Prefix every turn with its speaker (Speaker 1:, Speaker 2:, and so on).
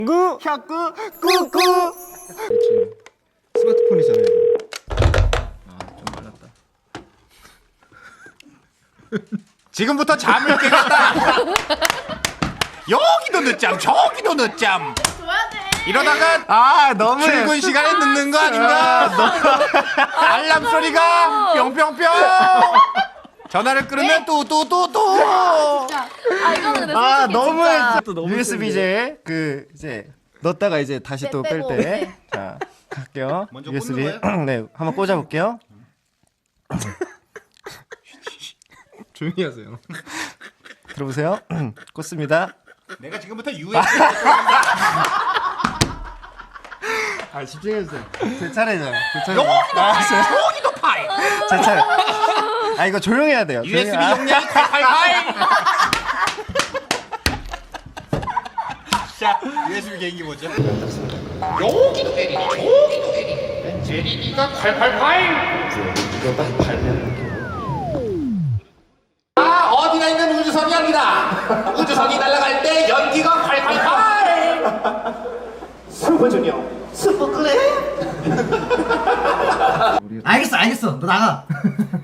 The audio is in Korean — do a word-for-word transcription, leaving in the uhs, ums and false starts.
Speaker 1: 구 샤꾸 꾸꾸.
Speaker 2: 스마트폰이잖아요. 아좀 말랐다.
Speaker 3: 지금부터 잠을 깨겠다. 여기도 늦잠 저기도 늦잠. 이러다가
Speaker 1: 아 너무
Speaker 3: 출근 시간에 늦는 거 아닌가? 알람 소리가 뿅뿅뿅. 전화를 끊으면 또 또 또 또.
Speaker 4: 아 이거는 근데
Speaker 1: 아
Speaker 4: 솔직히
Speaker 1: 너무
Speaker 4: 진짜
Speaker 1: 유에스비 이제 그 이제 넣었다가 이제 다시
Speaker 4: 네,
Speaker 1: 또 뺄
Speaker 4: 빼고,
Speaker 1: 때.
Speaker 4: 네.
Speaker 1: 자 갈게요.
Speaker 3: 먼저
Speaker 1: 유에스비.
Speaker 3: 꽂는
Speaker 1: 네 한번 꽂아 볼게요.
Speaker 2: 조용히 하세요.
Speaker 1: 들어보세요. 꽂습니다.
Speaker 3: 내가 지금부터 유에스비.
Speaker 1: 아 집중해주세요. 제 차례죠. 제 차례.
Speaker 3: 여기도
Speaker 1: 아,
Speaker 3: 파이,
Speaker 1: 제,
Speaker 3: 저기도 파이.
Speaker 1: 제 차례. 아 이거 조용해야 돼요. 조용히-
Speaker 3: 유에스비
Speaker 1: 아,
Speaker 3: 용량이 팔팔팔. 자, 유에스비 개인기 뭐죠? 여기도 내리니, 저기도 내리니. 제리니가 팔팔팔. 아, 어디나 있는 우주선이 아니라 우주선이 날아갈 때 연기가 팔팔팔.
Speaker 5: 알겠어 알겠어 너 나가.